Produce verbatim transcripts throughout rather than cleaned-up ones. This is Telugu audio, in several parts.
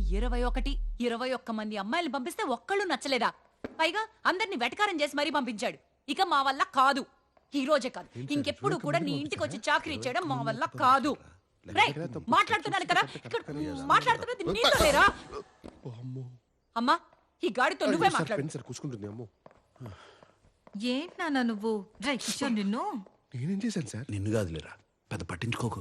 ఇరవై ఒకటి ఇరవై ఒక్క మంది అమ్మాయిలు పంపిస్తే ఒక్కళ్ళు నచ్చలేదా? పైగా అందరిని వెటకారం చేసి మరీ పంపించాడు. ఇక మా వల్ల కాదు. ఈ రోజే కాదు, ఇంకెప్పుడు కూడా నీ ఇంటికి వచ్చి చాకరీ చేయడం మా వల్ల కాదు. మాట్లాడుతున్నాను కదా, మాట్లాడుతున్నది నీతో లేరా? అమ్మా, ఈ గాడితో నువ్వే మాట్లాడు. ఏంటి నాన్న నువ్వు? కిషోర్ నిన్ను నేనేం చేశాను సార్? నిన్ను కాదులేరా, పెద్ద పట్టించుకోకు.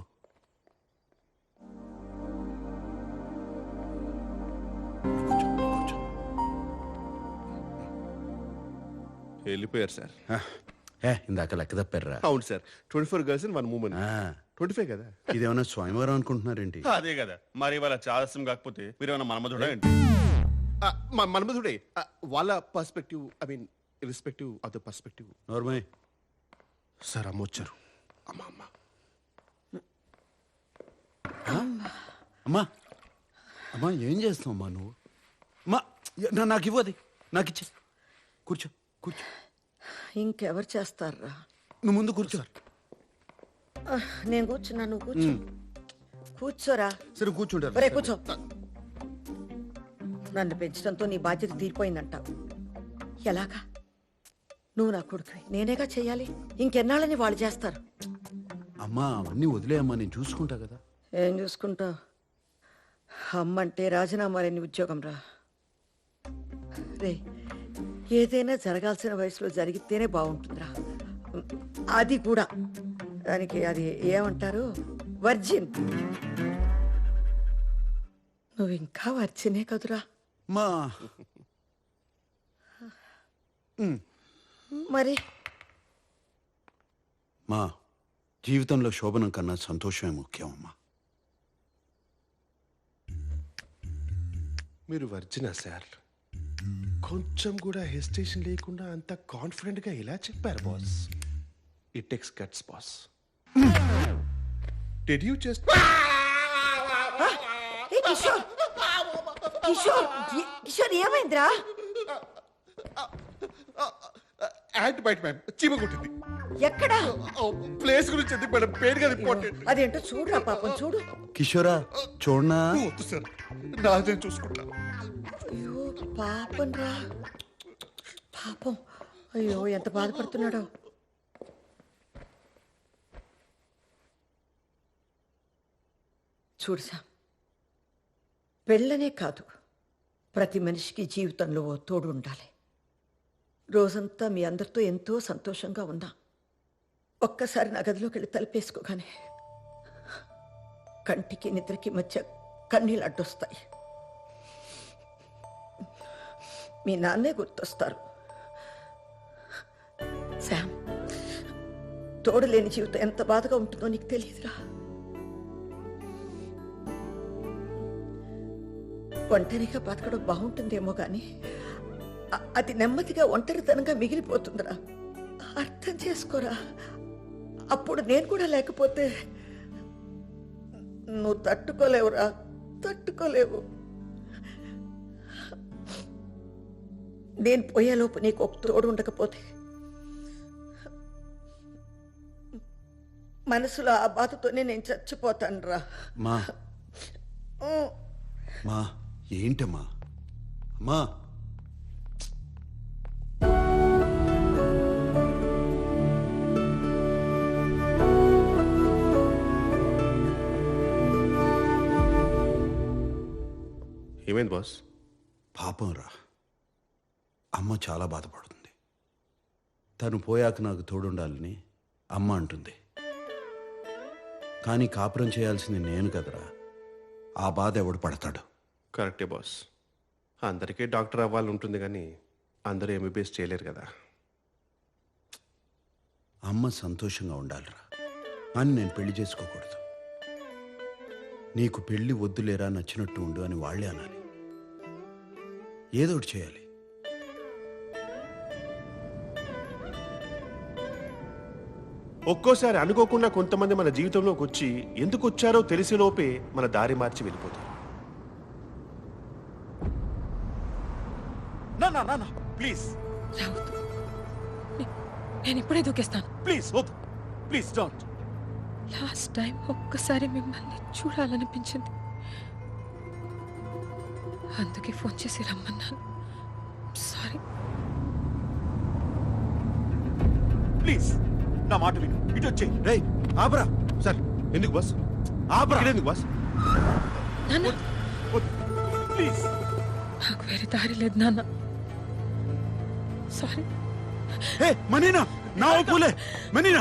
వెళ్ళిపోయారు సార్. ఇందాక లెక్క తప్పారా? అవును sir, twenty four girls one moment. Twenty five కదా? ఇదేమన్నా స్వయంవరం అనుకుంటున్నారేంటి? అదే కదా మరి. వాళ్ళ చాదస్యం కాకపోతే మీరు ఏమన్నా మన్మధుడా ఏంటి? మన్మధుడే. వాళ్ళ perspective, I mean irrespective of the perspective. Normal sir అమ్మ వచ్చారు. అమ్మా అమ్మ అమ్మా అమ్మా ఏం చేస్తావు అమ్మా నువ్వు? అమ్మా నాకు ఇవ్వది, నాకు ఇచ్చే. కూర్చో కూర్చో. ఇంకెవరు చేస్తారా? నువ్వు ముందు కూర్చో. నేను కూర్చున్నా, నువ్వు కూర్చో. కూర్చోరా. సరే కూర్చుంటారు. ఒరే కూర్చో. నన్ను పెంచడంతో నీ బాధ్యత తీరిపోయిందంటావు. ఎలాగా? నువ్వు నా కొడుకు, నేనేగా చెయ్యాలి. ఇంకెన్నాళ్ళని వాళ్ళు చేస్తారు. అమ్మా అవన్నీ వదిలేయమ్మా, నేను చూసుకుంటా కదా. ఏం చూసుకుంటావు? అమ్మంటే రాజీనామా లేని ఉద్యోగం రా. రే, ఏదైనా జరగాల్సిన వయసులో జరిగితేనే బాగుంటుందిరా. అది కూడా దానికి అది ఏమంటారు, వర్జిన్. నువ్వు ఇంకా వర్జినే కదురా. మా మరి మా జీవితంలో శోభనం కన్నా సంతోషమే ముఖ్యం అమ్మా. మీరు వర్జినా సార్? కొంచెం కూడా హెసిటేషన్ లేకుండా అంత కాన్ఫిడెంట్ గా ఎలా చెప్పారు boss? It takes guts boss. Did you just Kishore Kishore Kishore ఏమైందిరా? యాంట్ బైట్ మ్యామ్, చీమ కొట్టింది. ఎక్కడా? ప్లేస్ గురించి ఎందుకు మేడం, పేరు కదా ఇంపార్టెంట్. అదేంటో చూడురా పాపం, చూడు. కిషోరా చూడనా? వద్దు సార్, నాదే చూసుకుంటా. అయ్యో పాపం రా, పాపం. అయ్యో ఎంత బాధపడుతున్నాడో. చూడు సామ్, పెళ్ళనే కాదు, ప్రతి మనిషికి జీవితంలో ఓ తోడు ఉండాలి. రోజంతా మీ అందరితో ఎంతో సంతోషంగా ఉన్నా, ఒక్కసారి నా గదిలోకి వెళ్ళి తలుపేసుకోగానే కంటికి నిద్రకి మధ్య కన్నీళ్ళు అడ్డొస్తాయి. మీ నాన్నే గుర్తొస్తారు. శామ్, తోడు లేని జీవితం ఎంత బాధగా ఉంటుందో నీకు తెలియదురా. ఒంటరిగా బతకడం బాగుంటుందేమో కానీ అది నెమ్మదిగా ఒంటరితనంగా మిగిలిపోతుందిరా. అర్థం చేసుకోరా. అప్పుడు నేను కూడా లేకపోతే నువ్వు తట్టుకోలేవురా, తట్టుకోలేవు. నేను పోయేలోపు నీకు ఒక తోడు ఉండకపోతే మనసులో ఆ బాధతోనే నేను చచ్చిపోతాను రా. మా మా ఏంటమ్మా? అమ్మా ఏమైంది బాస్? పాపం రా, అమ్మ చాలా బాధపడుతుంది. తను పోయాక నాకు తోడుండాలని అమ్మ అంటుంది. కానీ కాపురం చేయాల్సింది నేను కదరా. ఆ బాధ ఎవడు పడతాడు? కరెక్టే బాస్. అందరికీ డాక్టర్ అవ్వాలని ఉంటుంది కానీ అందరూ ఎంబీబీఎస్ చేయలేరు కదా. అమ్మ సంతోషంగా ఉండాలిరా, అని నేను పెళ్లి చేసుకోకూడదు. నీకు పెళ్లి వద్దులేరా, నచ్చినట్టు ఉండు అని వాళ్లే అనాలి. ఏదోటి చేయాలి. ఒక్కోసారి అనుకోకుండా కొంతమంది మన జీవితంలోకి వచ్చి ఎందుకు వచ్చారో తెలిసేలోపే మన దారి మార్చి వెళ్ళిపోతారు. ప్లీజ్ నేను ఇప్పుడే దూకేస్తాను. ప్లీజ్ వద్దు, ప్లీజ్ డోంట్. లాస్ట్ టైం ఒక్కసారి మిమ్మల్ని చూడాలనిపించింది. అందుకే ఫోన్ చేసి రమ్మన్నాను. సారీ. ప్లీజ్ నా మాట విను, ఇటు వచ్చే. రేయ్ ఆపరా. సార్ ఎందుకు బాస్ ఆపరా. ఇక్కడ ఎందుకు బాస్ నాన్న, ప్లీజ్. నాకు వేరే దారి లేదు నాన్న. సారీ. ఏ మనీనా నా ఒప్పులే మనీనా.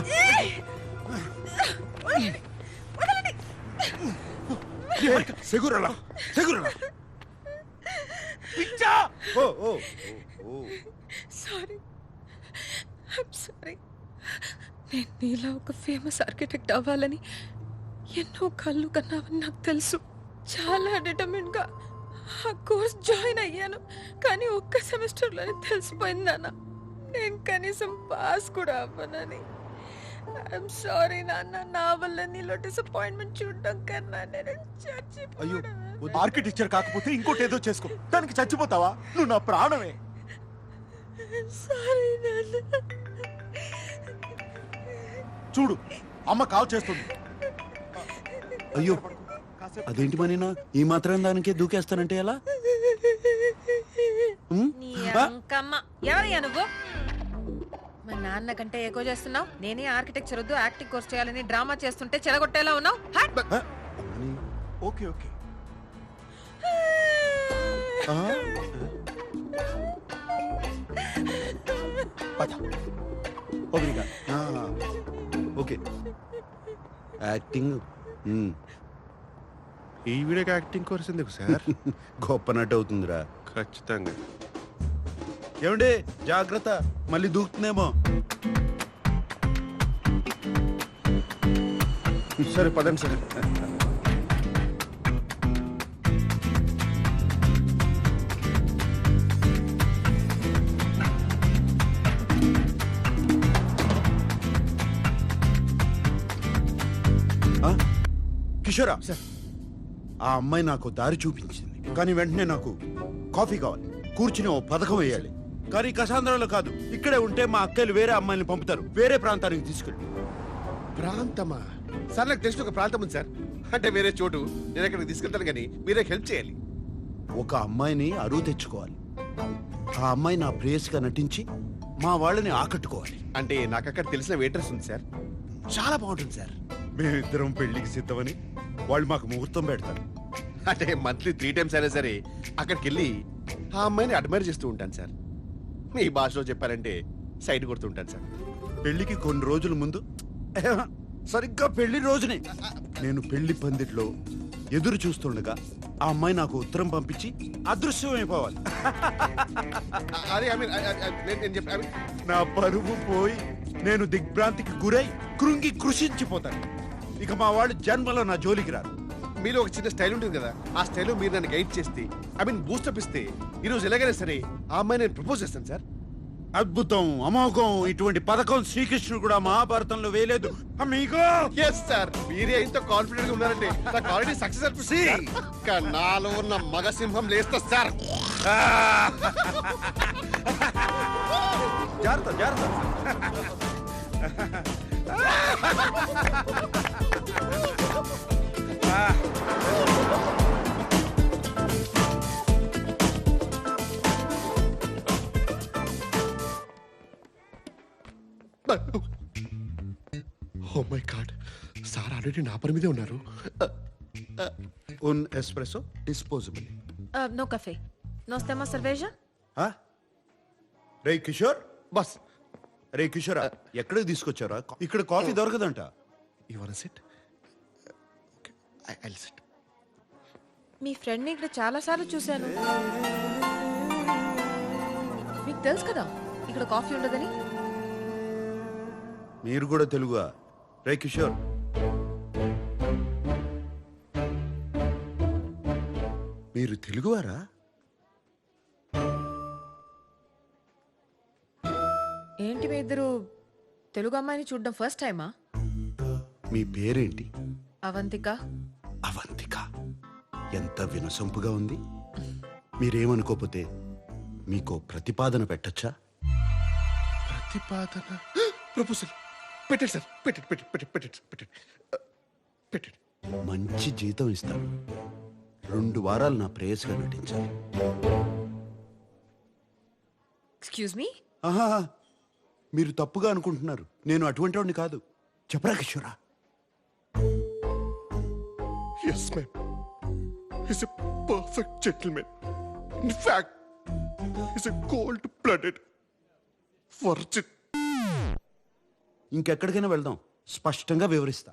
సెగురలా సెగురలా. పిచ్చా. Oh oh oh sorry. I'm sorry. నేను నీలా ఒక ఫేమస్ ఆర్కిటెక్ట్ అవ్వాలని ఎన్నో కళ్ళు కన్నావని నాకు తెలుసు. చాలా డిటర్మిన్ గా ఆ కోర్స్ జాయిన్ అయ్యాను. కానీ ఒక్క సెమిస్టర్లోనే తెలిసిపోయింది నాన్న, నేను కనీసం పాస్ కూడా అవ్వనని. ఐఎమ్ సారీ నాన్న. నా వల్ల నీలో డిసప్పాయింట్మెంట్ చూడడం కన్నా నేను అయ్యో, చచ్చిపోయాను. ఆర్కిటెక్చర్ కాకపోతే ఇంకోటి ఏదో చేసుకో, దానికి చచ్చిపోతావా? నువ్వు నా ప్రాణమే. సారీ నాన్న. చూడు, అమ్మ కాల్ చేస్తుంది. అయ్యో అదేంటి మనీనా ఈ మాత్రం దానికే దూకేస్తానంటే ఎలా? ఉమ్? నీ ఆ? అంకమ్మ. ఎవరయ్యా నువ్వు? మా నాన్న కంటే ఎక్కువ చేస్తున్నావు. నేనే ఆర్కిటెక్చర్ వద్దు యాక్టింగ్ కోర్స్ చేయాలని డ్రామా చేస్తుంటే చెడగొట్టేలా ఉన్నావు. హట్! ఆ? మనీ. Okay okay. ఆ? పద. ఓబ్రిగా. ఆ. Okay acting. ఉమ్. ఈ వీడియోకి యాక్టింగ్ కోర్స్ ఎందుకు సార్ గొప్ప నటు అవుతుందిరా. ఖచ్చితంగా. ఏమండి జాగ్రత్త, మళ్ళీ దూకుతుందేమో. సరే పదండి సార్. ఆ? కిషోరా ఆ అమ్మాయి నాకు దారి చూపించింది, కానీ వెంటనే నాకు కాఫీ కావాలి, కూర్చుని ఓ పథకం వేయాలి. కానీ కసాంధ్రాలో కాదు, ఇక్కడే ఉంటే మా అక్కలు వేరే అమ్మాయిని పంపుతారు, వేరే ప్రాంతానికి తీసుకెళ్ళి. ప్రాంతమా సార్? నాకు తెలిసిన ఒక ప్రాంతం ఉంది సార్, అంటే వేరే చోటు. నేను అక్కడికి తీసుకెళ్తాను కానీ మీరే హెల్ప్ చేయాలి. ఒక అమ్మాయిని అరువు తెచ్చుకోవాలి. ఆ అమ్మాయి నా ప్రేయస్గా నటించి మా వాళ్ళని ఆకట్టుకోవాలి. అంటే నాకు అక్కడ తెలిసిన వెయిటర్స్ ఉంది సార్, చాలా బాగుంటుంది సార్. మేమిద్దరం పెళ్లికి సిద్ధమని వాళ్ళు మాకు ముహూర్తం పెడతారు. అంటే మంత్లీ త్రీ టైమ్స్ అయినా సరే అక్కడికి వెళ్ళి ఆ అమ్మాయిని అడ్మైర్ చేస్తూ ఉంటాను సార్. మీ భాషలో చెప్పారంటే సైడ్ కొడుతూ ఉంటాను సార్. పెళ్లికి కొన్ని రోజుల ముందు, సరిగ్గా పెళ్లి రోజునే నేను పెళ్లి పందిట్లో ఎదురు చూస్తుండగా ఆ అమ్మాయి నాకు ఉత్తరం పంపించి అదృశ్యం అయిపోవాలి. అదే ఐ మీన్ నేను చెప్పి I mean, నా పరువు పోయి నేను దిగ్భ్రాంతికి గురై కృంగి కృషించిపోతాను. ఇక మా వాళ్ళు జన్మలో నా జోలికి రారు. మీలో ఒక చిన్న స్టైల్ ఉంటుంది కదా, ఆ స్టైల్ మీరు నన్ను గైడ్ చేస్తే ఐ మీన్ బూస్టప్ ఇస్తే ఈ రోజు ఎలాగైనా సరే ఆ అమ్మాయి నేను ప్రపోజ్ చేస్తాను సార్. అద్భుతం, అమోఘం, ఇటువంటి పథకం శ్రీకృష్ణుడు కూడా మహాభారతంలో వేయలేదు. అమ్మీగో ఎస్ సార్, మీరే ఇంత కాన్ఫిడెంట్ గా ఉన్నారంటే నాకు ఆల్రెడీ సక్సెస్ అనిపిస్తుంది. ఇంకా నాలో ఉన్న మగ సింహం లేస్తా సార్. జాగ్రత్త జాగ్రత్త. Oh my god, sir already నా పని మీదే ఉన్నారు. Un espresso disposable. నో కఫే, నో స్టెమా సర్వేజా. రే కిషోర్, బస్ రే కిషోర్, ఎక్కడికి తీసుకొచ్చారా? ఇక్కడ కాఫీ దొరకదంట. You want sit? Okay, I will sit. మీ ఫ్రెండ్ని ఇక్కడ చాలా సార్లు చూశాను. మీకు తెలుసు కదా ఇక్కడ కాఫీ ఉండదని. మీరు కూడా తెలుగుగా? రే కిషోర్, మీరు తెలుగువారా? ఏంటి మీ ఇద్దరు తెలుగు అమ్మాయిని చూడడం ఫస్ట్ టైమా? మీ పేరేంటి? అవంతిక. అవంతిక, ఎంత వినసొంపుగా ఉంది. మీరేమనుకోపోతే మీకు ప్రతిపాదన పెట్టచ్చా? ప్రతిపాదన, ప్రపోజల్ పెట్టండి సార్, పెట్టండి పెట్టండి పెట్టండి పెట్టండి పెట్టండి పెట్టండి. మంచి జీతం ఇస్తాను. రెండు వారాలు నా ప్రేయస్గా నటించాలి. Excuse me. ఆహా, మీరు తప్పుగా అనుకుంటున్నారు. నేను అటువంటి వాడిని కాదు. చెప్పరా కిషోరా? Yes ma'am, is a perfect gentlemen. In fact is a cold blooded virgin. ఇంకెక్కడికైనా వెళ్దాం, స్పష్టంగా వివరిస్తా.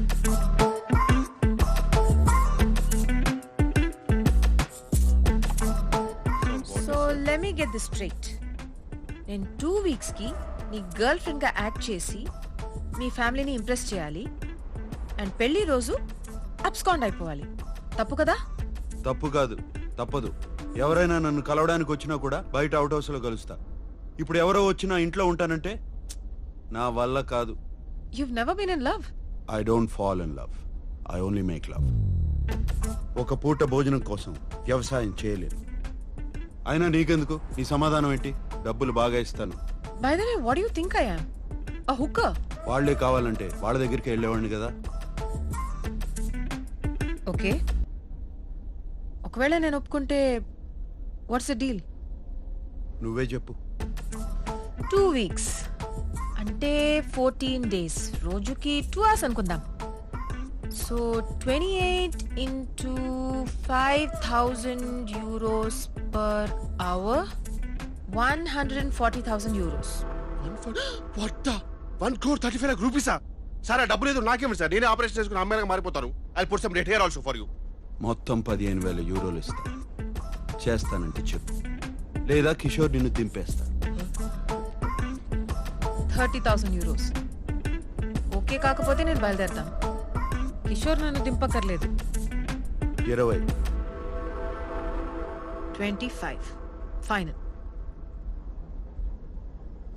So let me get this straight. నేను టూ వీక్స్ కి నీ గర్ల్ ఫ్రెండ్ గా యాక్ట్ చేసి మీ ఫ్యామిలీని ఇంప్రెస్ చేయాలి అండ్ పెళ్లి రోజు అబ్స్కాండ్ అయిపోవాలి. తప్పు కదా? తప్పు కాదు, తప్పదు. ఎవరైనా నన్ను కలవడానికి వచ్చినా కూడా బయట అవుట్ హౌస్ లో కలుస్తా. ఇప్పుడు ఎవరో వచ్చినా ఇంట్లో ఉంటానంటే నా వల్ల కాదు. You've never been in love? I don't fall in love, I only make love. ఒక పూట భోజనం కోసం వ్యవసాయం చేయలేను. అయినా నీకెందుకు? నీ సమాధానం ఏంటి? డబ్బులు బాగా ఇస్తాను. By the way, what do you think I am? A hooker? వాళ్లే కావాలంటే వాళ్ళ దగ్గరికి వెళ్ళేవాడిని కదా. ఓకే, ఒకవేళ నేను ఒప్పుకుంటే వాట్స్ ద డీల్? నువ్వే చెప్పు. టూ వీక్స్ అంటే ఫోర్టీన్ డేస్, రోజుకి టూ అవర్స్ అనుకుందాం. So twenty eight into five thousand euros per hour, one hundred and forty thousand euros. What the one crore thirty five lakh రూపీసా? సార్ ఆ డబ్బు లేదు, నాకేమి సార్? నేనే ఆపరేషన్ చేసుకుని అమ్మాయిగా మారిపోతాను. I put some here also for you. మొత్తం పదిహేను వేల యూరోలు ఇస్తా. చేస్తానంటే చెప్పు, లేదా కిషోర్ నిన్ను దింపేస్తా. థర్టీ థౌసండ్ యూరోస్ ఓకే కాకపోతే నేను బయలుదేరతాను. కిషోర్ నన్ను దింపక్కర్లేదు. ఇరవై ట్వంటీ ఫైవ్ ఫైనల్.